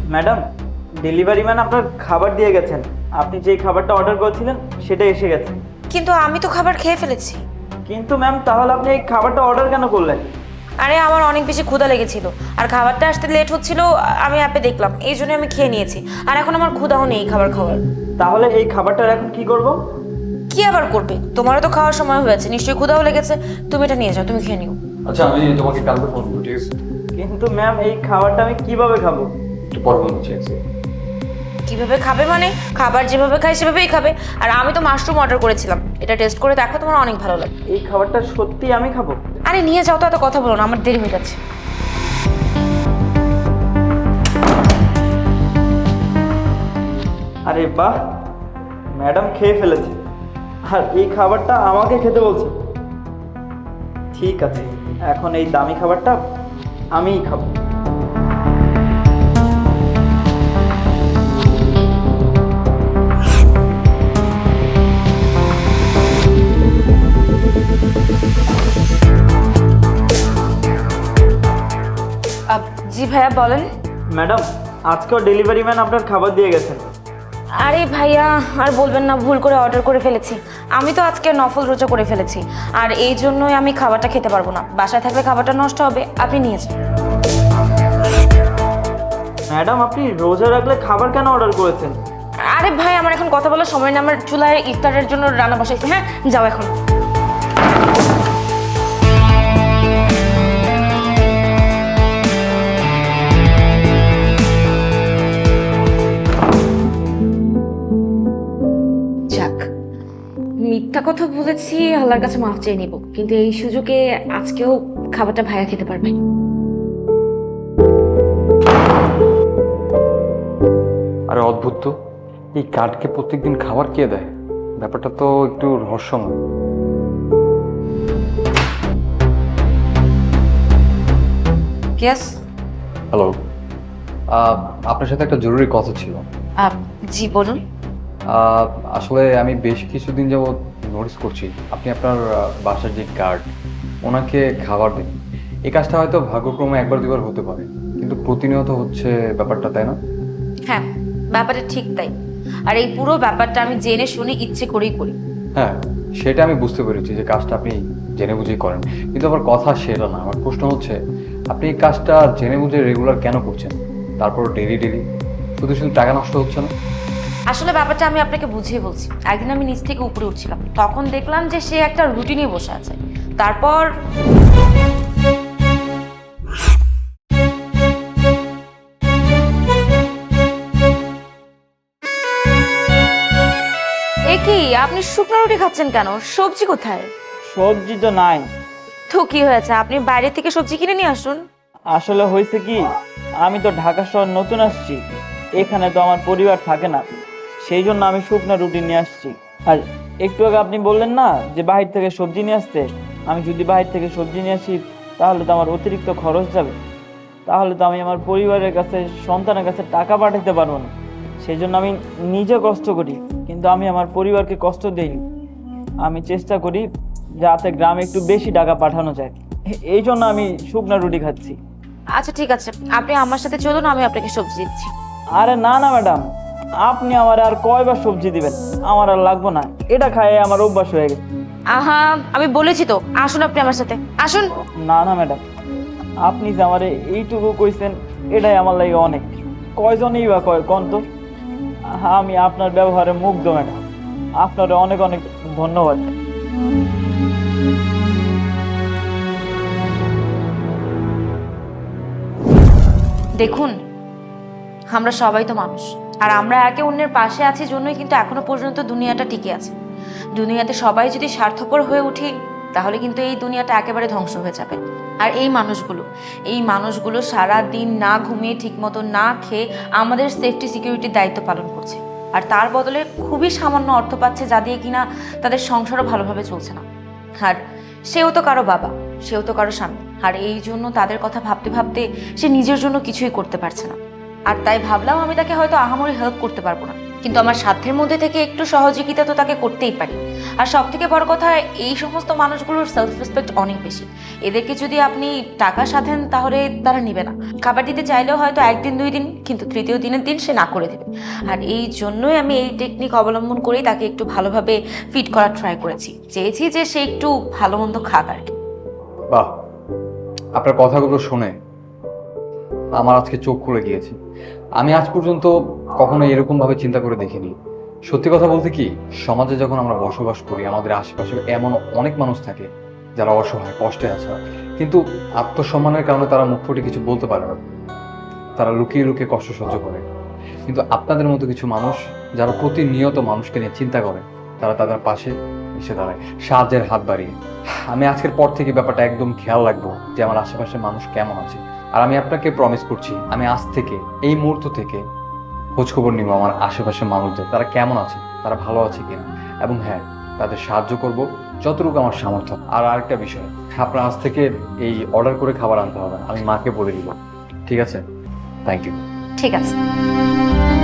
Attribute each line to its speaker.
Speaker 1: Madam, delivery man আপনার খাবার দিয়ে গেছেন। আপনি যেই খাবারটা অর্ডার করেছিলেন সেটা এসে গেছে।
Speaker 2: কিন্তু আমি তো খাবার খেয়ে ফেলেছি।
Speaker 1: কিন্তু ম্যাম, তাহলে আপনি এই খাবারটা অর্ডার কেন করলেন?
Speaker 2: আরে আমার অনেক বেশি ক্ষুধা লেগেছিল, আর খাবারটা আসতে লেট হচ্ছিল, আমি অ্যাপে দেখলাম, এই জন্য আমি খেয়ে নিয়েছি। আর এখন আমার ক্ষুধাও নেই খাবার খাওয়ার।
Speaker 1: তাহলে এই খাবারটার এখন কি করব?
Speaker 2: কি আবার করবে? তোমারও তো খাওয়ার সময় হয়েছে, নিশ্চয়ই ক্ষুধাও লেগেছে। তুমি এটা নিয়ে যাও, তুমি খেয়ে নিও।
Speaker 3: আচ্ছা, আমি তোমাকে কালকে ফোন করবো, ঠিক আছে?
Speaker 1: কিন্তু ম্যাম, এই খাবারটা আমি কিভাবে খাবো?
Speaker 3: একটু পর ফোন করছি।
Speaker 2: কিভাবে খাবে মানে? খাবার যেভাবে খাই সেভাবেই খাবে। আর আমি তো মাশরুম অর্ডার করেছিলাম, এটা টেস্ট করে দেখো, তোমার অনেক ভালো লাগবে।
Speaker 1: এই খাবারটা সত্যি আমি খাবো?
Speaker 2: আরে নিয়ে যাও তো, এত কথা বলো না, আমার দেরি হয়ে যাচ্ছে।
Speaker 1: আরে বাহ, ম্যাডাম খেয়ে ফেলেছে আর এই খাবারটা আমাকে খেতে বলছে। ঠিক আছে, এখন এই দামি খাবারটা আমিই খাবো।
Speaker 2: জি ভাইয়া বলেন।
Speaker 1: ম্যাডাম, আজকেও ডেলিভারি ম্যান আপনার খাবার দিয়ে গেছেন।
Speaker 2: আরে ভাইয়া আর বলবেন না, ভুল করে অর্ডার করে ফেলেছি। আমি তো আজকে নফল রোজা করে ফেলেছি, আর এই জন্যই আমি খাবারটা খেতে পারবো না। বাসায় থাকলে খাবারটা নষ্ট হবে, আপনি নিয়ে যান।
Speaker 1: ম্যাডাম, আপনি রোজা রাখলে খাবার কেন অর্ডার করেছেন?
Speaker 2: আরে ভাই আমার এখন কথা বলার সময় না, আমার চুলায় ইফতারের জন্য রান্না বসাইছি। হ্যাঁ যাও এখন। যাক, মিথ্যা কথা বলেছি, আল্লাহর কাছে মাফ চেয়ে নিব, কিন্তু এই সুযোগে আজকেও খাবারটা ভাইয়া খেতে পারবে।
Speaker 3: আরে অদ্ভুত তো, এই কার্ডকে প্রত্যেকদিন খাবার কে দেয়? ব্যাপারটা তো একটু রহস্যময়।
Speaker 2: ইয়েস।
Speaker 3: হ্যালো, আপনার সাথে একটা জরুরি কথা ছিল।
Speaker 2: জি বলুন।
Speaker 3: আহ, আসলে আমি বেশ কিছুদিন যাবৎ নোটিস করছি আপনি আপনার বাসার যে গার্ড, ওনাকে খাবার দিন। এই কাজটা হয়তো ভাগ্যক্রমে একবার দুবার হতে পারে, কিন্তু প্রতিনিয়ত হচ্ছে ব্যাপারটা, তাই না?
Speaker 2: হ্যাঁ, ব্যাপারটা ঠিক তাই। আর এই পুরো ব্যাপারটা আমি জেনে শুনে ইচ্ছে করেই করি।
Speaker 3: হ্যাঁ, সেটা আমি বুঝতে পেরেছি যে কাজটা আপনি জেনে বুঝেই করেন, কিন্তু আমার কথা সেটা না। আমার প্রশ্ন হচ্ছে, আপনি এই কাজটা জেনে বুঝে রেগুলার কেন করছেন? তারপর ডেলি ডেলি শুধু শুধু টাকা নষ্ট হচ্ছে না?
Speaker 2: আসলে ব্যাপারটা আমি আপনাকে বুঝিয়ে বলছি। একদিন আমি নিচ থেকে উপরে উঠছিলাম, তখন দেখলাম যে সে একটা রুটি নিয়ে বসে আছে। তারপর এ কি, আপনি শুকনো রুটি খাচ্ছেন কেন? সবজি কোথায়?
Speaker 1: সবজি তো নাই।
Speaker 2: তো কি হয়েছে, আপনি বাইরে থেকে সবজি কিনে নিয়ে আসুন।
Speaker 1: আসলে হয়েছে কি, আমি তো ঢাকা শহর নতুন আসছি, এখানে তো আমার পরিবার থাকে না, সেই জন্য আমি শুকনো রুটি নিয়ে আসছি। আর একটু আগে আপনি বললেন না যে বাহির থেকে সবজি নিয়ে আসতে, আমি যদি বাহির থেকে সবজি নিয়ে আসি তাহলে তো আমার অতিরিক্ত খরচ যাবে, তাহলে তো আমি আমার পরিবারের কাছে, সন্তানের কাছে টাকা পাঠাতে পারবো না। সেই জন্য আমি নিজে কষ্ট করি, কিন্তু আমি আমার পরিবারকে কষ্ট দেইনি। আমি চেষ্টা করি যাতে গ্রামে একটু বেশি টাকা পাঠানো যায়, এই জন্য আমি শুকনো রুটি খাচ্ছি।
Speaker 2: আচ্ছা ঠিক আছে, আপনি আমার সাথে চলুন, আমি আপনাকে সবজি দিচ্ছি।
Speaker 1: আরে না না ম্যাডাম, আপনি আমার আর কয়বার সবজি দিবেন? আমার আর লাগবো না, এটা খায় আমার অভ্যাস হয়ে গেছে।
Speaker 2: আহা, আমি বলেছি তো, আসুন আপনি আমার সাথে আসুন।
Speaker 1: না না ম্যাডাম, আপনি যে আমার এইটুকু কইছেন এটাই আমার লাগে অনেক। কয়জনই বা কয় কোন তো? আমি আপনার ব্যবহারে মুগ্ধ ম্যাডাম, আপনার অনেক অনেক ধন্যবাদ।
Speaker 2: দেখুন, আমরা সবাই তো মানুষ, আর আমরা একে অন্যের পাশে আছি জন্যই কিন্তু এখনো পর্যন্ত দুনিয়াটা টিকে আছে। দুনিয়াতে সবাই যদি স্বার্থপর হয়ে উঠি, তাহলে কিন্তু এই দুনিয়াটা একেবারে ধ্বংস হয়ে যাবে। আর এই মানুষগুলো সারা দিন না ঘুমিয়ে, ঠিকমতো না খেয়ে আমাদের সেফটি সিকিউরিটির দায়িত্ব পালন করছে, আর তার বদলে খুবই সামান্য অর্থ পাচ্ছে, যা দিয়ে কিনা তাদের সংসারও ভালোভাবে চলছে না। আর সেও তো কারো বাবা, সেও তো কারো স্বামী, আর এই জন্য তাদের কথা ভাবতে ভাবতে সে নিজের জন্য কিছুই করতে পারছে না। আর তাই ভাবলাম আমি তাকে হয়তো আহামরি হেল্প করতে পারবো না, কিন্তু আমার সাধ্যের মধ্যে থেকে একটু সহযোগিতা তো তাকে করতেই পারি। আর সব থেকে বড় কথা, এই সমস্ত মানুষগুলোর সেলফ রেসপেক্ট অনেক বেশি। এদেরকে যদি আপনি টাকা সাধেন তাহলে তারা নেবে না। খাবার দিতে চাইলেও হয়তো একদিন 2 দিন, কিন্তু তৃতীয় দিনের দিন সে না করে দেবে। আর এই জন্যই আমি এই টেকনিক অবলম্বন করেই তাকে একটু ভালোভাবে ফিট করার ট্রাই করেছি। চেয়েছি যে সে একটু ভালো মন্দ খাক আর কি।
Speaker 3: বাহ, আপনার কথাগুলো শুনে আমার আজকে চোখ খুলে গিয়েছে। আমি আজ পর্যন্ত কখনো এরকম ভাবে চিন্তা করে দেখিনি। সত্যি কথা বলতে কি, সমাজে যখন আমরা বসবাস করি আমাদের আশেপাশে এমন অনেক মানুষ থাকে যারা অসহায়, কষ্টে আছে, কিন্তু আত্মসম্মানের কারণে তারা মুখ ফুটে কিছু বলতে পারে না। তারা লুকিয়ে লুকিয়ে কষ্ট সহ্য করে। কিন্তু আপনাদের মতো কিছু মানুষ যারা প্রতিনিয়ত মানুষকে নিয়ে চিন্তা করে, তারা তাদের পাশে এসে দাঁড়ায় সাহায্যের হাত বাড়িয়ে। আমি আজকের পর থেকে ব্যাপারটা একদম খেয়াল রাখবো যে আমার আশেপাশে মানুষ কেমন আছে। আর আমি আপনাকে প্রমিস করছি, আমি আজ থেকে এই মুহূর্ত থেকে খোঁজখবর নিব আমার আশেপাশের মানুষদের, তারা কেমন আছে, তারা ভালো আছে কিনা, এবং হ্যাঁ, তাদের সাহায্য করব যতটুকু আমার সামর্থ্য। আর আরেকটা বিষয়, আপনার আজ থেকে এই অর্ডার করে খাবার আনতে হবে, আমি মাকে বলে দিব। ঠিক আছে? Thank you.
Speaker 2: ঠিক আছে।